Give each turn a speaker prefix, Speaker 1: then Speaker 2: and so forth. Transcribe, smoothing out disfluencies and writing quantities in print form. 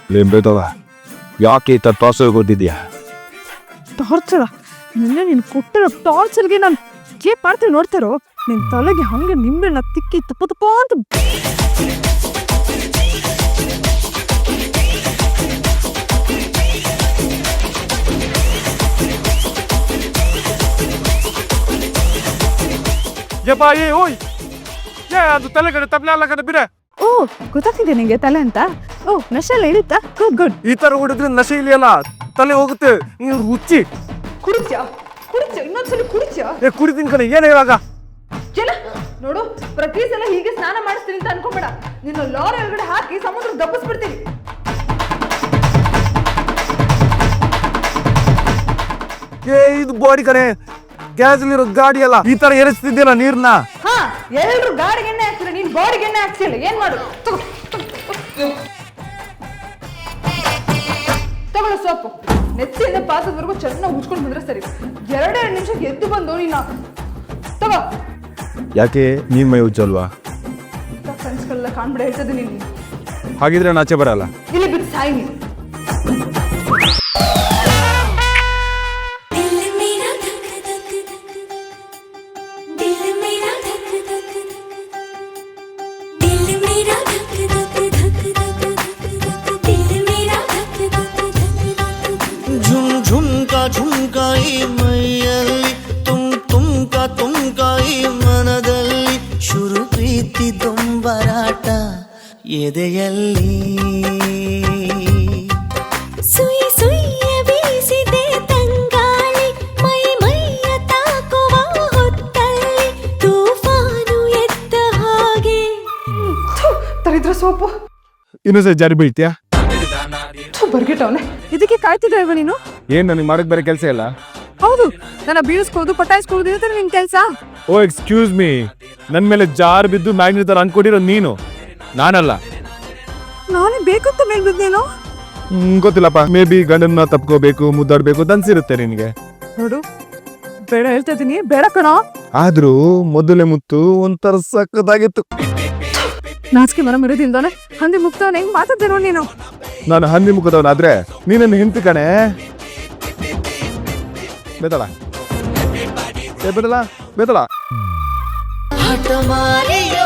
Speaker 1: ಲಿಂಬೆದವ ಯಾಕೆ ಈ ಥರ ಟಾರ್ಚರ್ ಕೊಟ್ಟಿದ್ಯಾ?
Speaker 2: ಟಾರ್ಚರ? ನಿನ್ನೆ ನೀನು ಕೊಟ್ಟಿರೋ ಟಾರ್ಚರ್ಗೆ ನಾನು ಏನ್ ಮಾಡ್ತೀನಿ ನೋಡ್ತಾರೋ. ನಿನ್ನ ತಲೆಗೆ ಹಂಗೆ ನಿಂಬೆಣ್ಣ ತಿಕ್ಕಿ ತುಪ್ಪ ತುಪ್ಪ ಅಂತ.
Speaker 1: ಓಯ್ ಅದು ತಲೆ ಕಡೆ ತಪ್ಪಲೆ ಅಲ್ಲ ಕಡೆ ಬಿಡ.
Speaker 2: ಓ, ಗೊತ್ತಾಗ್ತಿದೆ ನಿಂಗೆ ತಲೆ ಅಂತ. ಓ, ನಶೆ ಎಲ್ಲ ಇರುತ್ತಾ? Good good.
Speaker 1: ಈ ತರ ಹೊಡಿದ್ರೆ ನಶೆ ಇಲ್ಲಿಯಲ್ಲ, ತಲೆ ಹೋಗುತ್ತೆ. ನೀನು ರುಚಿ
Speaker 2: ಕುಡಿತ್ಯಾ? ಇನ್ನೊಂದ್ಸಲ ಕುಡಿತ್ಯಾ?
Speaker 1: ಕುಡಿತೀನಿ ಕಣೆ. ಏನು ಇವಾಗ?
Speaker 2: ಏನ ನೋಡು, ಪ್ರತಿ ಸಲ ಹೀಗೆ ಸ್ನಾನ ಮಾಡಿಸ್ತೀನಿ ಅಂತ ಅನ್ಕೊಂಬೇಡ. ನಿನ್ನ ಲಾರಿ ಒಳಗಡೆ ಹಾಕಿ ಸಮುದ್ರ ದಬ್ಬಿಸ್ಬಿಡ್ತೀನಿ.
Speaker 1: ಇದು ಬಾಡಿ ಕಣೆ, ಗ್ಯಾಸ್ ಇರೋ ಗಾಡಿ ಅಲ್ಲ. ಈ ತರ ಏರಿಸ್ತಿದ್ಯಲ್ಲ ನೀರ್ನ.
Speaker 2: ಹಾ, ಎಲ್ರು ಗಾಡಿಗೆ ಎಣ್ಣೆ ಹಾಕ್ತಿಲ್ಲ, ನೀನ್ ಬಾಡಿಗೆ ಎಣ್ಣೆ ಹಾಕ್ಸಿಲ್ಲ. ಏನ್ ಮಾಡು? ತಗೊಳ್ಳು ಸೋಪು. ನೆಚ್ಚಿಂದ ಪಾತ್ರದವರೆಗೂ ಚೆನ್ನಾಗಿ ಉಜ್ಕೊಂಡು ಬಂದ್ರೆ ಸರಿ. 2 ನಿಮಿಷಕ್ಕೆ ಎದ್ದು ಬಂದು ನೀನು ತಗೋ.
Speaker 1: ಯಾಕೆ ನೀನ್ ಮೈ ಉಜ್ಜಲ್ವಾ?
Speaker 2: ಫ್ರೆಂಡ್ಸ್ಗಳೆಲ್ಲ ಕಾಣ್ಬಿಡ ಹೇಳ್ತದೆ ನೀನು.
Speaker 1: ಹಾಗಿದ್ರೆ ನಾಚೆ ಬರಲ್ಲ.
Speaker 2: ಇಲ್ಲಿ ಬಿಟ್ಟು ಸಾಯಿ ನೀನು.
Speaker 3: झुमकाई ಮೈಯಲ್ಲಿ ತುಂಕಾಯಿ ಮನದಲ್ಲಿ ಶುರು ಪ್ರೀತಿ ದೊಂಬರಾಟ ಎದೆಯಲ್ಲಿ
Speaker 4: ಸುಯಿ ಸುಯ್ಯ ಬೀಸಿದೆ ತಂಗಾಳಿ ಮೈಯ ತಾಕುವ ಹೊತ್ತಲ್ಲಿ ತೂಫಾನು ಎದ್ದ ಹಾಗೆ.
Speaker 2: ತರಿದ್ರ ಸೋಪು
Speaker 1: ಇನ್ನೊಂದ್ಸರಿ ಜಾರಿ ಬೀಳ್ತೀಯಾ?
Speaker 2: ಬರ್ಗಿಟ್ಟವನೆ. ಇದಕ್ಕೆ ಕಾಯ್ತಿದ್ದೆ ಇವ ನೀನು?
Speaker 1: ಏನ್ ನನಗೆ ಮಾಡಕ್ ಬೇರೆ ಕೆಲಸ ಇಲ್ಲ?
Speaker 2: ಹೌದು, ನನ್ನ ಬೀಳಿಸ್ಕೋದು ಪಟಾಯಿಸ್ಕೋದು ಇರುತ್ತೆ ನಿನ್ ಕೆಲಸ.
Speaker 1: ಓ ಎಕ್ಸ್ಕ್ಯೂಸ್ ಮೀ, ನನ್ ಮೇಲೆ ಜಾರ್ ಬಿದ್ದು ಮ್ಯಾಗ್ನೆಟ್ ತರ ಅನ್ಕೊಂಡಿರೋ ನೀನು, ನಾನಲ್ಲ.
Speaker 2: ನಾನೇ ಬೇಕಂತ ಮೇಲೆ ಬಿದ್ದೇನೋ?
Speaker 1: ಗೊತ್ತಿಲ್ಲಪ್ಪ. ಮೇ ಬಿ ಗಂಡನ್ನ ತಪ್ಕೋಬೇಕು, ಮುದ್ದಾಡ್ಬೇಕು ಅಂತ ಅನ್ಸಿರುತ್ತೆ ನಿನ್ಗೆ.
Speaker 2: ನೋಡು, ಬೇಡ ಹೇಳ್ತಾ ಇದೀನಿ, ಬೇಡ ಕಣ.
Speaker 1: ಆದ್ರೂ ಮೊದಲೇ ಮುತ್ತು ಒಂಥರ ಸಕ್ಕದಾಗಿತ್ತು.
Speaker 2: ನಾಚಿಕೆ ಮರ ಮಿರೋದಿಂದಾನೆ ಹಂದಿ ಮುಕ್ತವನ ಹೆಂಗ್ ಮಾತಾಡ್ದೆ ನೋಡಿ ನೀನು.
Speaker 1: ನಾನು ಹಂದಿ ಮುಖದವನಾದ್ರೆ ನೀನನ್ನು ಹಿಂತಿ ಕಣೆ. ಬೇತಳ ಬೇತಳ ಬೇತಳ.
Speaker 3: ಹಠ ಮಾರಿಯೋ